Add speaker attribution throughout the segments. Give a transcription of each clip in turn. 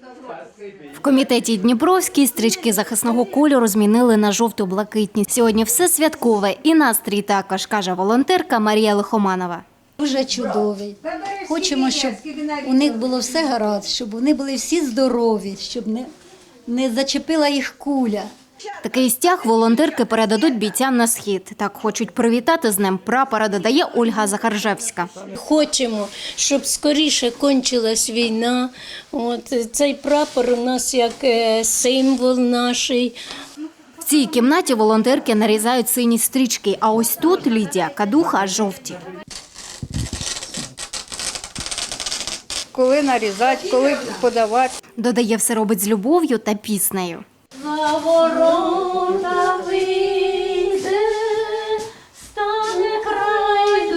Speaker 1: В комітеті Дніпровській стрічки захисного кольору змінили на жовто-блакитні. Сьогодні все святкове і настрій також, каже волонтерка Марія Лихоманова.
Speaker 2: Дуже чудовий. Хочемо, щоб у них було все гаразд, щоб вони були всі здорові, щоб не зачепила їх куля.
Speaker 1: Такий стяг волонтерки передадуть бійцям на схід. Так хочуть привітати з Днем прапора, додає Ольга Захаржевська.
Speaker 3: Хочемо, щоб скоріше кончилась війна. Цей прапор у нас як символ наш.
Speaker 1: В цій кімнаті волонтерки нарізають сині стрічки, а ось тут Лідія Кадуха – жовті.
Speaker 4: Коли нарізати, коли подавати.
Speaker 1: Додає, все робить з любов'ю та піснею.
Speaker 3: За ворота вийде, стане край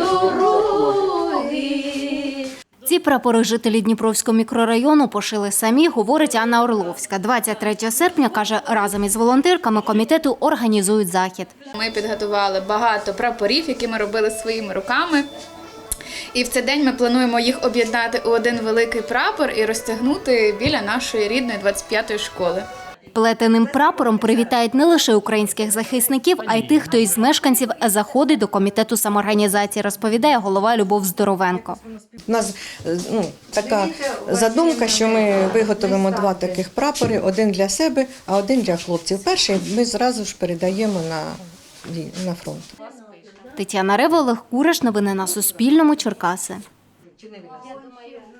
Speaker 3: дороги.
Speaker 1: Ці прапори жителі Дніпровського мікрорайону пошили самі, говорить Анна Орловська. 23 серпня, каже, разом із волонтерками комітету організують захід.
Speaker 5: Ми підготували багато прапорів, які ми робили своїми руками. І в цей день ми плануємо їх об'єднати у один великий прапор і розтягнути біля нашої рідної 25-ї школи.
Speaker 1: Плетеним прапором привітають не лише українських захисників, а й тих, хто із мешканців заходить до комітету самоорганізації, розповідає голова Любов Здоровенко.
Speaker 6: У нас така задумка, що ми виготовимо 2 таких прапори, один для себе, а один для хлопців. Перший ми зразу ж передаємо на фронт.
Speaker 1: Тетяна Рева, Олег Кураш. Новини на Суспільному. Черкаси.